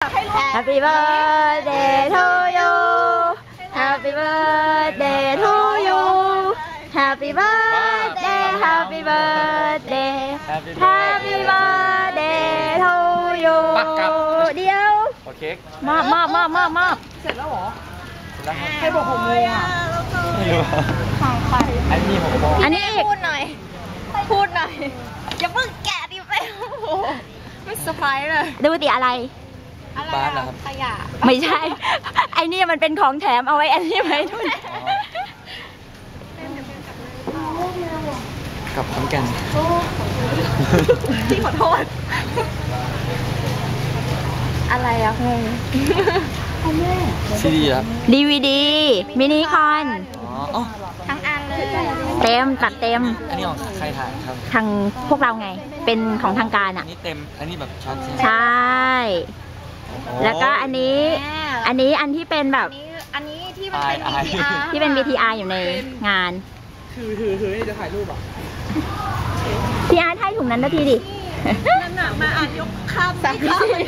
Happy birthday to you Happy birthday to you Happy birthday Happy birthday Happy birthday to you เดียวโอเคมอบเสร็จแล้วเหรอเสร็จแล้วครับใครบอก6 โมงอ่ะไม่รู้ของใครอันนี้6 โมงอันนี้อีกพูดหน่อยอย่าเพิ่งแกะดิไปไม่เซอร์ไพรส์เลยดูติอะไรบ้านเหรอครับขยะไม่ใช่ไอ้นี่มันเป็นของแถมเอาไว้อันนี้ไว้ด้วยกับพร้อมกันพี่ขอโทษอะไรอะงงซีดีครับ DVD มินิคอนทั้งอันเลยเต็มตัดเต็มอันนี้ของใครถ่ายครับทางพวกเราไงเป็นของทางการอ่ะอันนี้เต็มอันนี้แบบช็อตใช่แล้วก็อันนี้อันที่เป็นแบบอันนี้ที่มันเป็น VTR ที่เป็น VTR อยู่ในงานถือจะถ่ายรูปอ่ะพี่อาร์ตให้ถุงนั้นนาทีดินั่นน่ะมาอ่านยกข้าม3 วิธี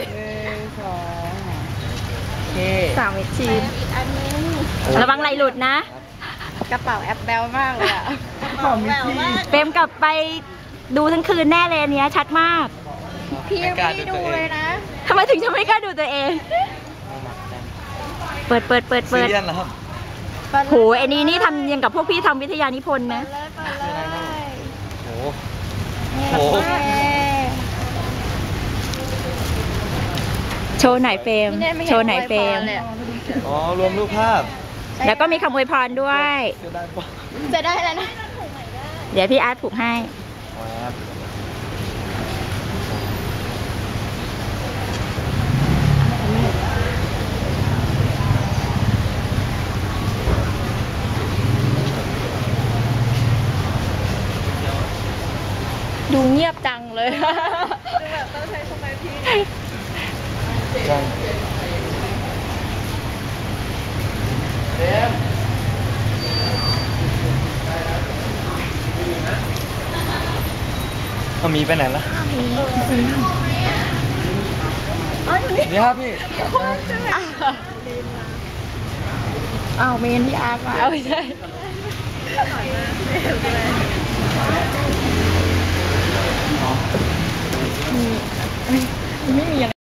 3 วิธีอันนี้ระวังไหลหลุดนะกระเป๋าแอปแบลมากเลยอะเปมกลับไปดูทั้งคืนแน่เลยเนี้ยชัดมากพี่ไม่ดูเลยนะทำไมถึงจะไม่กล้าดูตัวเองเปิดซีเรียสเหรอครับโหไอ้นี่ทำยังกับพวกพี่ทำวิทยานิพนธ์นะโหโชว์ไหนเฟรมโชว์ไหนเฟรมอ๋อรวมรูปภาพแล้วก็มีคำอวยพรด้วยจะได้แล้วนะเดี๋ยวพี่อาร์ตผูกให้ดูเงียบจังเลยดูแบบต้องใช้สมาธิมีไปไหนล่ะนี่ครับพี่เมนที่อาร์มาไม่ใช่ไม่มีอย่าง